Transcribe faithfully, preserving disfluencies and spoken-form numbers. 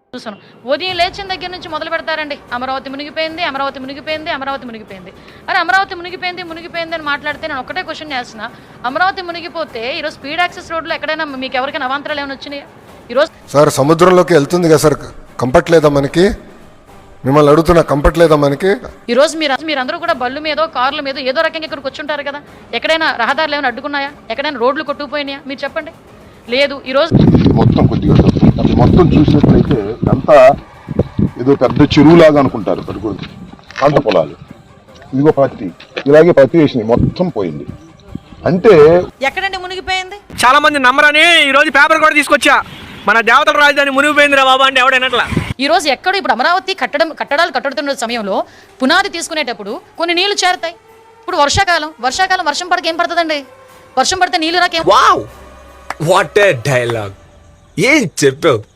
చూసాను. ఉదయం లేచిన దగ్గర నుంచి మొదలు పెడతారండి. అమరావతి మునిగిపోయింది, అమరావతి మునిగిపోయింది, అమరావతి మునిగిపోయింది. అరే అమరావతి మునిగిపోయింది మునిగిపోయింది అని మాట్లాడితే నేను ఒకటే క్వశ్చన్ చేస్తున్నా. అమరావతి మునిగిపోతే ఈరోజు స్పీడ్ యాక్సెస్ రోడ్లో ఎక్కడైనా మీకు ఎవరికైనా అవాంతరాలు ఏమైనా వచ్చినాయి ఈరోజు? సార్ సముద్రంలోకి వెళ్తుంది కదా సార్, కంఫర్ట్ లేదా మనకి? మిమ్మల్ని అడుగుతున్నా, కంఫర్ట్ లేదా మనకి? ఈరోజు మీరు మీరందరూ కూడా బళ్ళు మీదో కార్ల మీద ఏదో రకంగా ఇక్కడికి వచ్చుంటారు కదా. ఎక్కడైనా రహదారులు ఏమైనా అడ్డుకున్నాయా? ఎక్కడైనా రోడ్లు కొట్టుకుపోయినాయా? మీరు చెప్పండి. లేదు. ఈరోజు మొత్తం కొద్దిగా మొత్తం చూసినట్లయితే అంతా ఏదో పెద్ద చెరువులాగా అనుకుంటారు. పడుకోండి పంట పొలాలు, ఇదిగో పత్తి, ఇలాగే పత్తి వేసినాయి, మొత్తం పోయింది. అంటే ఎక్కడండి మునిగిపోయింది? చాలా మంది నమ్మరని ఈ రోజు పేపర్ కూడా తీసుకొచ్చా. మన దేవతల రాజధాని మునిగిపోయిందిరా బాబా అంటే ఎవడైనట్లా. ఈ రోజు ఎక్కడ ఇప్పుడు అమరావతి కట్టడం కట్టడాలు కట్టుతున్న సమయంలో పునాది తీసుకునేటప్పుడు కొన్ని నీళ్లు చేరుతాయి. ఇప్పుడు వర్షాకాలం వర్షాకాలం వర్షం పడక ఏం పడుతుందండి? వర్షం పడితే నీళ్లు రాకేం. వావ్ వాట్ ఏ డైలాగ్, ఏం చెప్పావు.